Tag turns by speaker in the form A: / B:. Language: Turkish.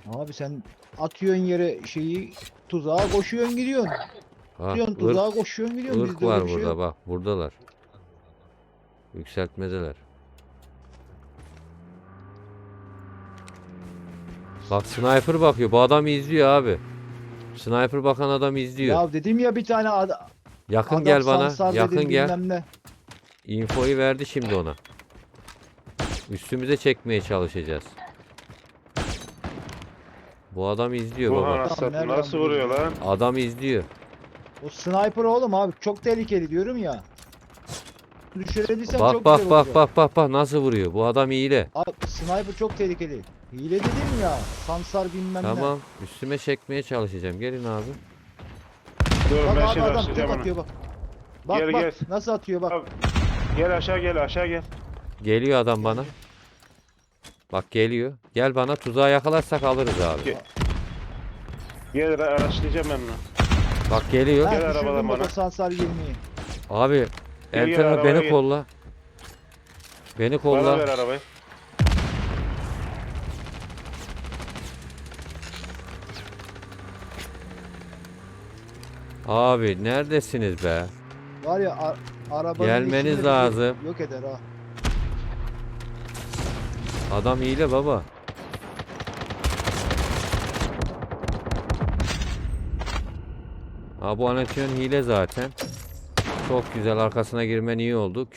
A: Abi sen atıyorsun yere şeyi, tuzağa koşuyorsun gidiyorsun.
B: Ha,
A: Atıyorsun tuzağa koşuyorsun gidiyorsun.
B: ırk
A: Bizde öyle
B: var
A: bir şey
B: burada
A: yok.
B: bak. Buradalar. Yükseltmedeler. Bak sniper bakıyor. Bu adam izliyor abi. Sniper bakan adam izliyor.
A: Ya dedim ya bir tane
B: Yakın
A: adam
B: gel bana.
A: sansar
B: Yakın
A: dedim
B: gel.
A: bilmem ne.
B: Infoyu verdi şimdi ona. Üstümüze çekmeye çalışacağız. Bu adam izliyor
C: Bu
B: baba.
C: anasını
A: nereden
C: nasıl vuruyor
A: vuruyor?
C: lan?
B: Adam izliyor.
A: O sniper oğlum abi çok tehlikeli diyorum ya. Düşürebilsem
B: Bak
A: çok
B: bak
A: güzel
B: bak
A: olacak.
B: bak bak bak nasıl vuruyor. Bu adam hile.
A: Abi sniper çok tehlikeli. Hile dedim ya. Sansar bilmem ne.
B: Tamam. Üstüme çekmeye çalışacağım. Gelin abi.
C: Dur
A: Bak
C: ben
A: abi
C: şimdi
A: adam tek
C: açacağım onu.
A: atıyor bak. Bak
C: Gel,
A: bak
C: gel.
A: nasıl atıyor bak.
C: Abi, Gel aşağı gel aşağı gel.
B: Geliyor adam bana. Bak geliyor. Gel bana tuzağa yakalarsak alırız abi.
C: Gel. Gel araçlayacağım ben bunu.
B: Bak geliyor.
A: Ha,
C: Gel
A: düşürdüm
C: arabadan
A: bak o
C: bana.
A: sansar 20'yi.
B: Abi
C: Gel,
B: Elten
C: arabaya
B: beni
C: gel.
B: kolla. Beni
C: Bana
B: kolla.
C: ver arabayı.
B: Abi neredesiniz be?
A: Var ya arabanın
B: Gelmeniz
A: içinde bizi
B: lazım.
A: Yok eder ha.
B: Adam hile baba. Ha bu Anatolian hile zaten. Çok güzel arkasına girmen iyi oldu.